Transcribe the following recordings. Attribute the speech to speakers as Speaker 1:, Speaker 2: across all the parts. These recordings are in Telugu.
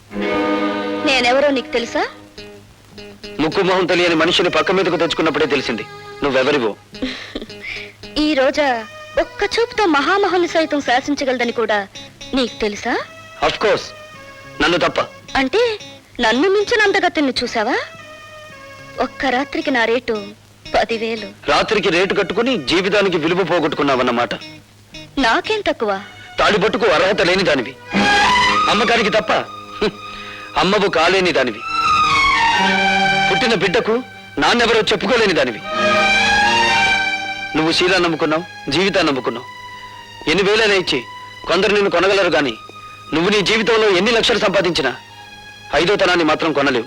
Speaker 1: నేనెవరో నీకు తెలుసా?
Speaker 2: ముక్కు మొహం తెలియని మనిషిని పక్క మీదకు తెచ్చుకున్నప్పుడే తెలిసింది నువ్వెవరివో.
Speaker 1: ఈ రోజా ఒక్క చూపుతో మహామహుల్ని సైతం శాసించగలదని కూడా నీకు తెలుసా?
Speaker 2: అఫ్ కోర్స్, నన్ను తప్ప.
Speaker 1: అంటే నన్ను మించిన అందగతిని చూసావా? ఒక్క రాత్రికి నా రేటు 10,000.
Speaker 2: రాత్రికి రేటు కట్టుకుని జీవితానికి విలువ పోగొట్టుకున్నావన్నమాట.
Speaker 1: నాకేం తక్కువ?
Speaker 2: తాడిబొట్టుకు అర్హత లేని దానివి, అమ్మకానికి తప్ప అమ్మవు కాలేని దానివి, పుట్టిన బిడ్డకు నాన్నెవరో చెప్పుకోలేని దానివి. నువ్వు శీలా నమ్ముకున్నావు, జీవితాన్ని నమ్ముకున్నావు. ఎన్ని వేలైనా ఇచ్చి కొందరు నిన్ను కొనగలరు గాని నువ్వు నీ జీవితంలో ఎన్ని లక్షలు సంపాదించినా 5వ తనాన్ని మాత్రం కొనలేవు.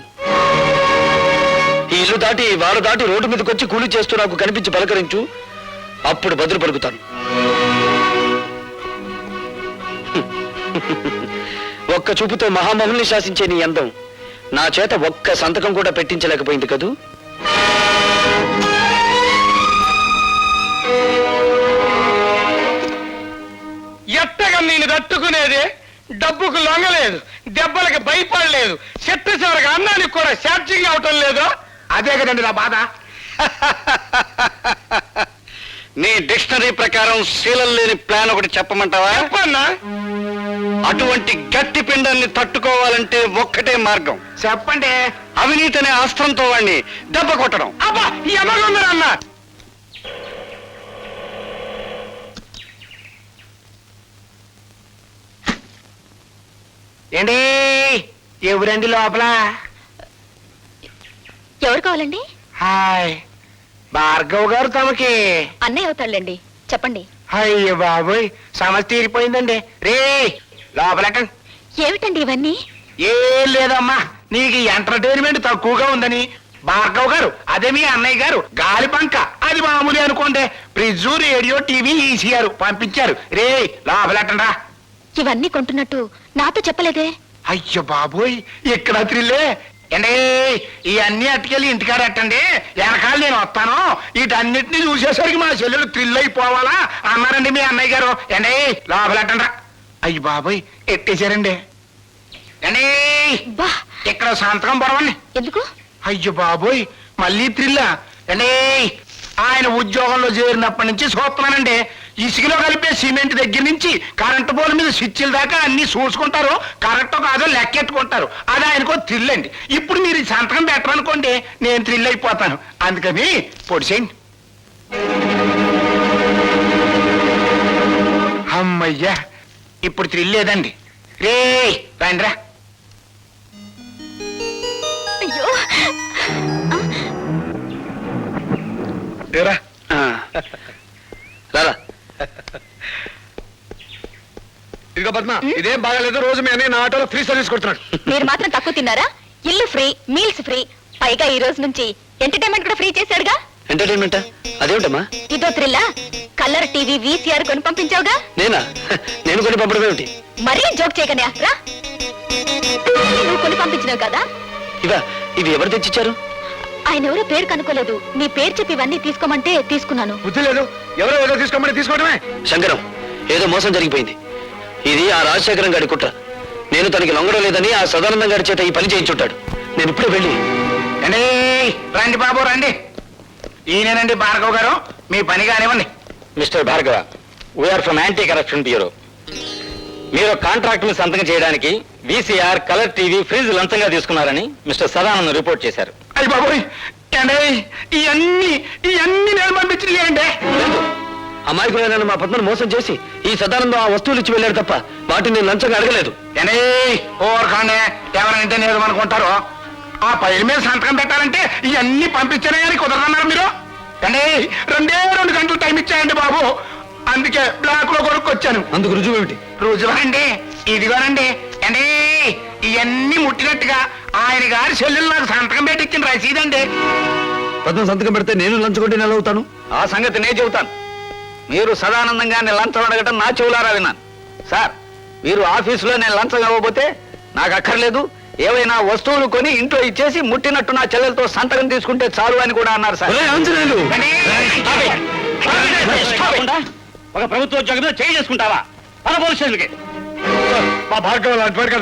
Speaker 2: ఈ ఇల్లు దాటి వారు దాటి రోడ్డు మీదకి వచ్చి కూలి చేస్తూ నాకు కనిపించి పలకరించు, అప్పుడు బదులు పలుకుతాను. ఒక్క చూపుతో మహామహుల్ని శాసించే నీ అందం నా చేత ఒక్క సంతకం కూడా పెట్టించలేకపోయింది కదూ.
Speaker 3: ఎట్టగా నేను తట్టుకునేది? డబ్బుకు లొంగలేదు, దెబ్బలకి భయపడలేదు, చెట్టు చివరికి అన్నానికి కూడా ఛార్జింగ్ అవటం లేదు.
Speaker 4: అదే కదండి నా బాధ.
Speaker 2: నీ డిక్షనరీ ప్రకారం శీలం లేని ప్లాన్ ఒకటి చెప్పమంటావా?
Speaker 3: చెప్పన్నా.
Speaker 2: అటువంటి గట్టి పిండాన్ని తట్టుకోవాలంటే ఒక్కటే మార్గం.
Speaker 4: చెప్పండి.
Speaker 2: అవినీతి అనే అస్త్రంతో వాడిని దెబ్బ కొట్టడం.
Speaker 3: అబ్బా ఎమగుందరన్నా.
Speaker 4: ఏంటి ఎవరండి లోపల?
Speaker 1: ఎవరు కావాలండి?
Speaker 4: హాయ్, భార్గవ్ గారు తమకి.
Speaker 1: అన్నయ్య అవుతాళ్ళండి, చెప్పండి.
Speaker 4: అయ్యో బాబోయ్, సమస్య తీరిపోయిందండి. రే లోపలకండి.
Speaker 1: ఏమిటండి ఇవన్నీ?
Speaker 4: ఏం లేదమ్మా, నీకు ఎంటర్టైన్మెంట్ తక్కువగా ఉందని భార్గవ్ గారు, అదే మీ అన్నయ్య గారు గాలి పంక, అది మామూలు అనుకోండి, ఫ్రిడ్జ్, రేడియో, టీవీ, ఈసీఆర్ పంపించారు. రే లోపలకండ్రా.
Speaker 1: ఇవన్నీ కొంటున్నట్టు నాతో చెప్పలేదే?
Speaker 4: అయ్యో బాబోయ్, ఇక్కడ త్రిల్లే. అండి ఇవన్నీ అట్టుకెళ్ళి ఇంటికాడ ఎట్టండి, వెనకాల నేను వస్తాను. వీటన్నిటిని చూసేసరికి మా చెల్లెలు థ్రిల్ అయిపోవాలా అన్నారండి మీ అన్నయ్య గారు. అండి లోపలెట్టండ్రా. అయ్యి బాబోయ్, ఎట్టేశారండి. అండి
Speaker 1: బా,
Speaker 4: ఇక్కడ సంతకం పొరవండి.
Speaker 1: ఎందుకు?
Speaker 4: అయ్యో బాబోయ్, మళ్ళీ థ్రిల్లా. అండి ఆయన ఉద్యోగంలో చేరినప్పటి నుంచి చూస్తున్నానండి, ఇసుకలో కలిపే సిమెంట్ దగ్గర నుంచి కరెంటు పోల్ మీద స్విచ్ల దాకా అన్ని చూసుకుంటారు, కరెక్టో కాదో లెక్కెట్టుకుంటారు. అది ఆయనకో థ్రిల్ అండి. ఇప్పుడు మీరు ఈ సంతకం పెట్టరనుకోండి, నేను థ్రిల్ అయిపోతాను. అందుకని పొడిసేయండి. అమ్మయ్యా, ఇప్పుడు థ్రిల్ లేదండి. రే రండిరా.
Speaker 1: అయ్యో,
Speaker 4: రేరా.
Speaker 2: రారా.
Speaker 3: ఇదిగో పద్మ, ఇదేం బాగాలేదు. రోజు మీ అన్నయ్య నా ఆటోలో ఫ్రీ సర్వీస్ కొడుతున్నాడు.
Speaker 1: మీరు మాత్రం తక్కువ తిన్నారా? ఇల్లు ఫ్రీ, మీల్స్ ఫ్రీ, పైగా ఈ రోజు నుంచి ఎంటర్టైన్మెంట్ కూడా ఫ్రీ చేశాడుగా.
Speaker 2: ఎంటర్టైన్మెంటా? అదేమిటమ్మా?
Speaker 1: ఇదో థ్రిల్లా? కలర్ టీవీ, వీసీఆర్ కొని పంపించావుగా.
Speaker 2: నేనా? నేను కొని పంపడం ఏమిటి?
Speaker 1: మరీ జోక్ చేయకనే రా. నువ్వు కొని పంపించినావు కదా.
Speaker 2: ఇవి ఎవరు తెచ్చిచ్చారు?
Speaker 1: ఆయన ఎవరో పేరు కనుక్కోలేదు, నీ పేరు చెప్పి ఇవన్నీ తీసుకోమంటే తీసుకున్నాను.
Speaker 3: బుద్ధి లేదు, ఎవరో ఏదో తీసుకోమని తీసుకోవడమే.
Speaker 2: శంకరం, ఏదో మోసం జరిగిపోయింది. ఇది ఆ రాజశేఖరం గారి కుట్ర. నేను తనకి లొంగడం లేదని ఆ సదానందం గారి చేత ఈ పని చేయించుంటాడు. నేను ఇప్పుడే వెళ్ళి.
Speaker 4: అండి రండి బాబు రండి. ఈయనేనండి భార్గవ్ గారు, మీ పని కానివ్వండి.
Speaker 2: Mister Bhargava, we are from anti corruption bureau. మీరు కాంట్రాక్ట్ ని సంతకం చేయడానికి వీసీఆర్, కలర్ టీవీ, ఫ్రిడ్జ్ లంచంగా తీసుకున్నారని మిస్టర్ సదానందం రిపోర్ట్ చేశారు.
Speaker 4: అయ్యి బాబోయ్, అండి ఇవన్నీ నేను పంపించినాయండి.
Speaker 2: అమాయకులైన మా పద్మను మోసం చేసి ఈ సదానందం ఆ వస్తువులు ఇచ్చి వెళ్ళాడు తప్ప వాటిని నేను లంచంగా అడగలేదు.
Speaker 4: అండి ఓరకాండే, ఎవరంటే నేను అనుకుంటారు. ఆ పైల మీద సంతకం పెట్టాలంటే ఇవన్నీ పంపించానే కానీ కుదరదన్నారు మీరు. అండి 2 గంటలు టైం ఇచ్చాయండి బాబు, అందుకే బ్లాక్ లో కొనుక్కొచ్చాను.
Speaker 2: అందుకు రుజువు ఏమిటి?
Speaker 4: రుజువండి ఇదిగోనండి. అండి ఇవన్నీ ముట్టినట్టుగా ఆయన గారి చెల్లెలు నాకు సంతకం పెట్టి ఇచ్చిన రసీదండి.
Speaker 2: పద్మ సంతకం పెడితే నేను లంచుకుంటే నెల అవుతాను.
Speaker 5: ఆ సంగతి నేను చెబుతాను. మీరు సదానందంగా నేను లంచం అడగటం నా చెవులారా విన్నాను. సార్, మీరు ఆఫీసులో నేను లంచం ఇవ్వబోతే నాకు అక్కర్లేదు, ఏవైనా వస్తువులు కొని ఇంట్లో ఇచ్చేసి ముట్టినట్టు నా చెల్లెలతో సంతకం తీసుకుంటే చాలు అని కూడా అన్నారు సార్.
Speaker 2: ఒక ప్రభుత్వ ఉద్యోగంలో చేయి చేసుకుంటావా? పోలీస్ స్టేషన్కి.
Speaker 3: మా భార్గవ్ అడ్వైట్